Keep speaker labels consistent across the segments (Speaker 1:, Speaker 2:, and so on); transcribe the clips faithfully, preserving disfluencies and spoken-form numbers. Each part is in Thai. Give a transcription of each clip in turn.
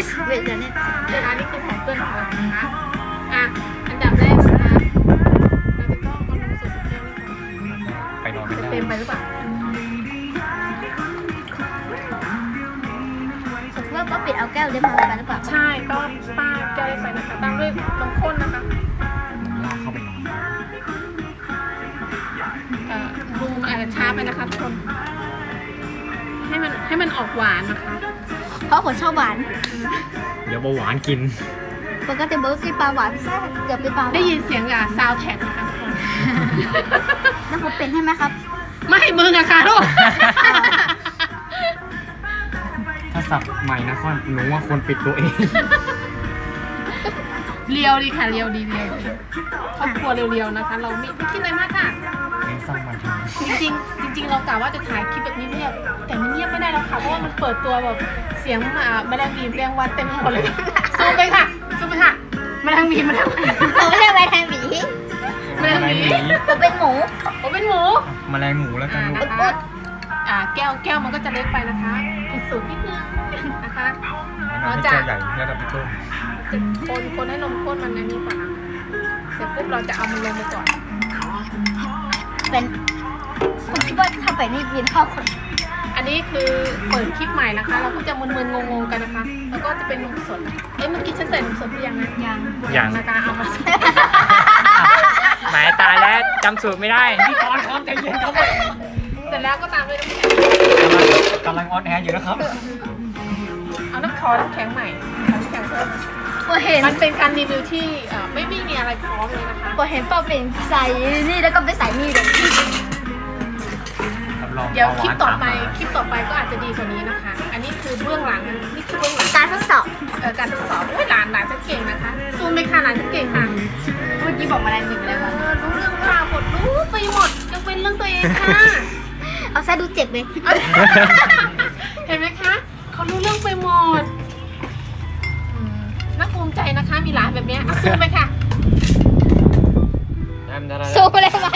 Speaker 1: สเวทเนี่ย
Speaker 2: นะคะนี่คือของเพื่อนของเรานะคะอ่ะอันดับแรกนะคะเราจะต้องเอานมสดสเปรี้ยวนี่ก่อน
Speaker 3: ไปนอนไม่
Speaker 2: จะ
Speaker 3: ได้
Speaker 2: เต็มไปหรือเปล่า
Speaker 1: ผมว่าป้าปิดเอาแก้วได้มาเหมือนกันหรือเปล่า
Speaker 2: ใช่ก็ป้าแก้วไปนะคะตามด้วยนมข้นนะคะ
Speaker 3: ลากเข้าไปนอน
Speaker 2: เอ่อดูมันอาจจะช้าไปนะคะทุกคนให้มันให้มันออกหวานนะคะ
Speaker 1: เพราะผมชอบหวาน
Speaker 3: เดี๋ยวเบาหวานกิน
Speaker 1: ปกติเบอร์กินปลาหวานแซ่บเกือบเป็นปลาหวาน
Speaker 2: ได้ยินเสียงอ่ะซาวแท็กนะคะทุกคน
Speaker 1: แล้วผมเป็นให้ไหมครับ
Speaker 2: ไม่มึงอะค่ะลูก
Speaker 3: ถ้าสับใหม่นะค่อนหนูว่าควรปิดตัวเอง
Speaker 2: เรียวดีค่ะเรียวดีเรียวดีครอบครัวเรียวๆนะคะ เราไม่ไม่คิดอะไรมากค่ะ
Speaker 3: เน้นสร้างมันเถอะ
Speaker 2: จริงๆจริงๆเรากะว่าจะถ่ายคลิปแบบเงียบๆแต่มันเงียบไม่ได้แล้วค่ะเพราะว่ามันเปิดตัวแบบเสียงอ่าแมลงวีแมลงวันเต็มไปหมดเลยซูมไปค่ะซูมไปค่ะแมลงวีแมลงวัน
Speaker 1: ผมไม่ใช่แมลงหวี
Speaker 2: แมลงวี
Speaker 1: ผมเป็นหมู
Speaker 2: ผมเป็นหมู
Speaker 3: แมลงหมูแล้วกัน
Speaker 2: อ่า
Speaker 3: ลูก
Speaker 2: นะคะอ่าแก้วแก้วมันก็จะเล็กไปนะคะผิดสูตรนิดนึงนะคะ
Speaker 3: น้ำให้เจ้าใหญ่ระดับพี่ต้น
Speaker 2: จะคนคนให้นมข้นมันอันนี้ก่อนนะเสร็จปุ๊บเราจะเอามันลงไปก่อน
Speaker 1: เป็นผมคิดว่าถ้าเป็นนี่กินข้าวคน
Speaker 2: อันนี้คือเปิดคลิปใหม่นะคะ เราก็จะมึนๆงงๆกันนะคะ แล้วก็จะเป็นนมสดเอ้ยเมื่อกี้ฉันใส่นมสดหรือยังนะ
Speaker 1: ยัง
Speaker 3: อย่าง
Speaker 2: นะคะเอามา
Speaker 3: หมายตายแล้วจำสูตรไม่ได้พี่กรณ์ครับใจเย็นครับ
Speaker 2: เสร็จแล้วก็ตามด้วยน้ำแข็ง
Speaker 3: กำลังออนแอร์อยู่นะครับ
Speaker 2: เอาน้ำคอน้ำแข็งใหม่เอาน้ำแข็งเพิ่ม
Speaker 1: ผมเห็น
Speaker 2: มันเป็นการรีวิวที่เอ่อไม่ไม่มีอะไรพร้อมเลยนะคะ
Speaker 1: ผมเห็นป้าเป็นใส่นี่แล้วก็ไปใส่นี่เลย
Speaker 3: รับรอง
Speaker 2: เดี๋ยว
Speaker 3: บาห
Speaker 2: คลิป
Speaker 3: วาน
Speaker 2: ต่อไป
Speaker 3: ามมา
Speaker 2: คลิปต่อไปก็อาจจะดีกว่านี้นะคะ อันนี้คือเบื้องหลังนี่คือเบื้องหลัง
Speaker 1: การทดสอบ
Speaker 2: เอ่อการทดสอบโอ้ยหลานหลานจะเก่งนะคะซูมไปค่ะหลานจะเก่งค่ะ
Speaker 1: เมื่อกี้บอกแมลงหวีไปแล้ว
Speaker 2: เออรู้เรื่องราวหมดรู้ไปหมดยกเว้นเรื่องตัวเองค่ะ
Speaker 1: เอาซะดูเจ็บเลย
Speaker 2: เห็นไหมคะเขารู้เรื่องไปหมดอืมน่าภูมิใจนะคะ มีหลานแบบเนี้ยเอาซูมไปค่ะ
Speaker 1: สู้เลยไหม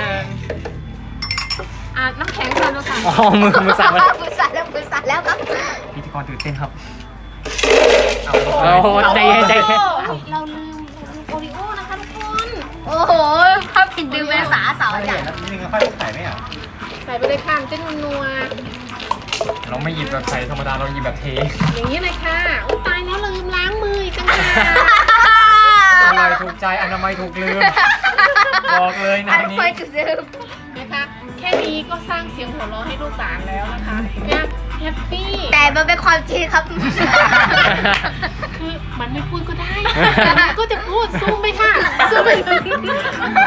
Speaker 2: อ่ะน้ำแข็งก่อนดูค่ะ
Speaker 3: อ๋อมือมือสั่นแล้ว
Speaker 1: มือสั่นแล้วมือสั่นแล้วครับ
Speaker 3: พิธีกรตื่นเต้นครับ
Speaker 2: โอ้
Speaker 3: โหใจเย็นใจเย็น
Speaker 2: เราลืมโอริโอนะคะทุกคน
Speaker 1: โอ้โหภาพผิดดือเป็นสาสาวจ้ะ
Speaker 3: นี่นึงค่อยใส่ไหมอ่ะ
Speaker 2: ใส่ไปเลยค่ะมันจะนัว
Speaker 3: เราไม่หยิบแบบใส่ธรรมดาเราหยิบแบบเท
Speaker 2: ๆอย่างนี้เลยค่ะโอ้ตายแล้วเราลืมล้างมืออีกต่างหาก
Speaker 3: อร่อยถูกใจอนามัยถูกลืม บอกเลยนะ
Speaker 1: อัน
Speaker 3: นี้
Speaker 1: เคยจุดเดิม
Speaker 2: นะคะแค่นี้ก็สร้างเสียงหัวเราะให้ลูกหลานแล้วนะคะเนี่ยแฮปปี้
Speaker 1: แต่มันเป็นความจริงครับ
Speaker 2: คือมันไม่พูดก็ได้แต่มันก็จะพูดซูมไปค่ะซูมไป